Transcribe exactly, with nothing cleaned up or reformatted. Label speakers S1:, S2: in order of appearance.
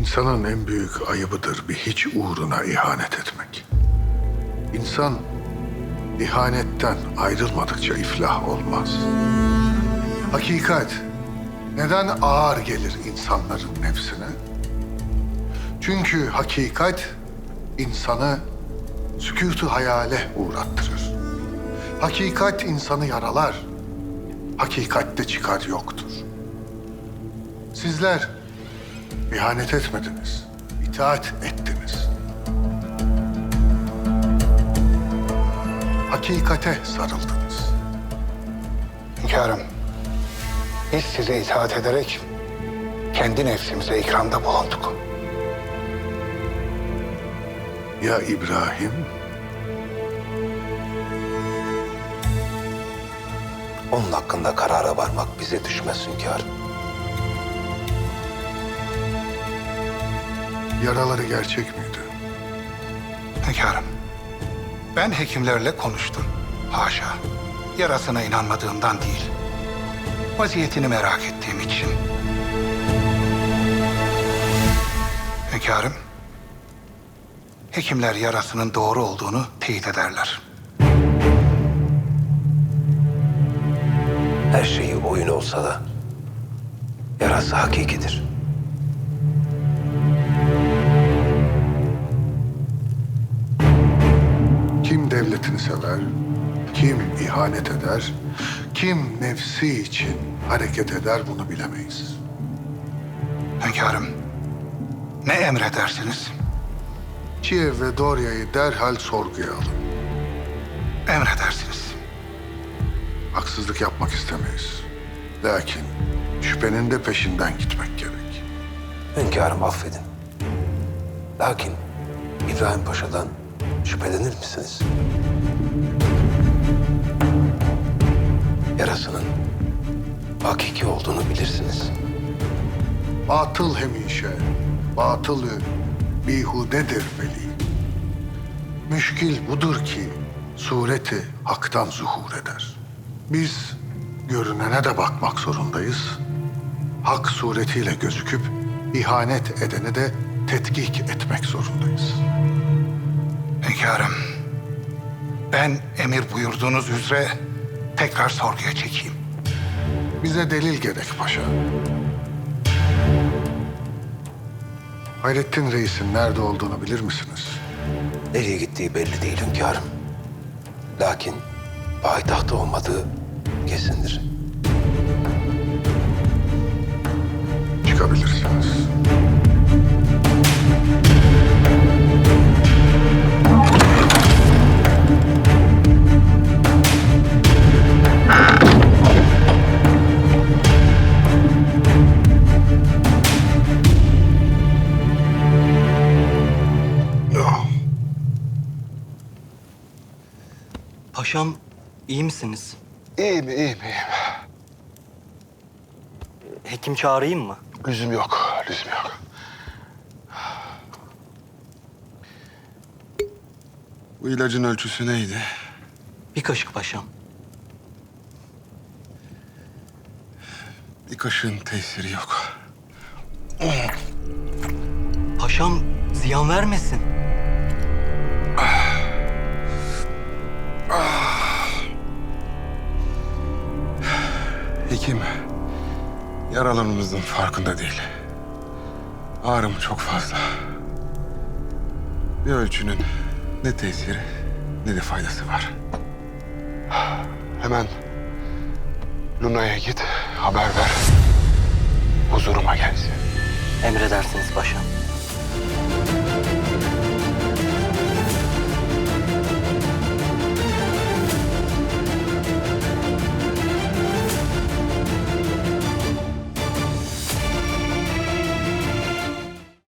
S1: İnsanın en büyük ayıbıdır bir hiç uğruna ihanet etmek. İnsan ihanetten ayrılmadıkça iflah olmaz. Hakikat neden ağır gelir insanların nefsine? Çünkü hakikat insanı sükût-u hayale uğrattırır. Hakikat insanı yaralar. Hakikatte çıkar yoktur. Sizler ihanet etmediniz, itaat ettiniz. Hakikate sarıldınız.
S2: Hünkârım, biz size itaat ederek kendi nefsimize ikramda bulunduk.
S1: Ya İbrahim?
S3: Onun hakkında karara varmak bize düşmez hünkârım.
S1: Yaraları gerçek miydi?
S2: Hünkârım, ben hekimlerle konuştum. Haşa, yarasına inanmadığımdan değil. Vaziyetini merak ettiğim için. Hünkârım, hekimler yarasının doğru olduğunu teyit ederler.
S3: Her şeyi oyun olsa da yarası hakikidir.
S1: Kim devletini sever, kim ihanet eder, kim nefsi için hareket eder bunu bilemeyiz.
S2: Hünkârım, ne emredersiniz?
S1: Kiev ve Dorya'yı derhal sorguya alın.
S2: Emredersiniz.
S1: Haksızlık yapmak istemeyiz. Lakin şüphenin de peşinden gitmek gerek.
S3: Hünkârım affedin. Lakin İbrahim Paşa'dan şüphelenir misiniz? Yarasının hakiki olduğunu bilirsiniz.
S1: Batıl hemişe, batılı bihudedir veli. Müşkil budur ki sureti haktan zuhur eder. Biz görünene de bakmak zorundayız. Hak suretiyle gözüküp ihanet edeni de tetkik etmek zorundayız.
S2: Hünkârım, ben emir buyurduğunuz üzere tekrar sorguya çekeyim.
S1: Bize delil gerek paşa. Hayrettin Reis'in nerede olduğunu bilir misiniz?
S3: Nereye gittiği belli değil hünkârım. Lakin payitahtta olmadığı kesindir.
S1: Çıkabilirsiniz.
S4: Paşam, iyi misiniz?
S2: İyiyim, iyiyim, iyiyim.
S4: Hekim çağırayım mı?
S2: Lüzum yok, lüzum yok.
S5: Bu ilacın ölçüsü neydi?
S4: Bir kaşık paşam.
S5: Bir kaşığın tesiri yok.
S4: Paşam, ziyan vermesin.
S5: Hekim, yaralarımızın farkında değil. Ağrım çok fazla. Bir ölçünün ne tesiri ne de faydası var.
S2: Hemen Luna'ya git, haber ver. Huzuruma gelsin.
S4: Emredersiniz paşam.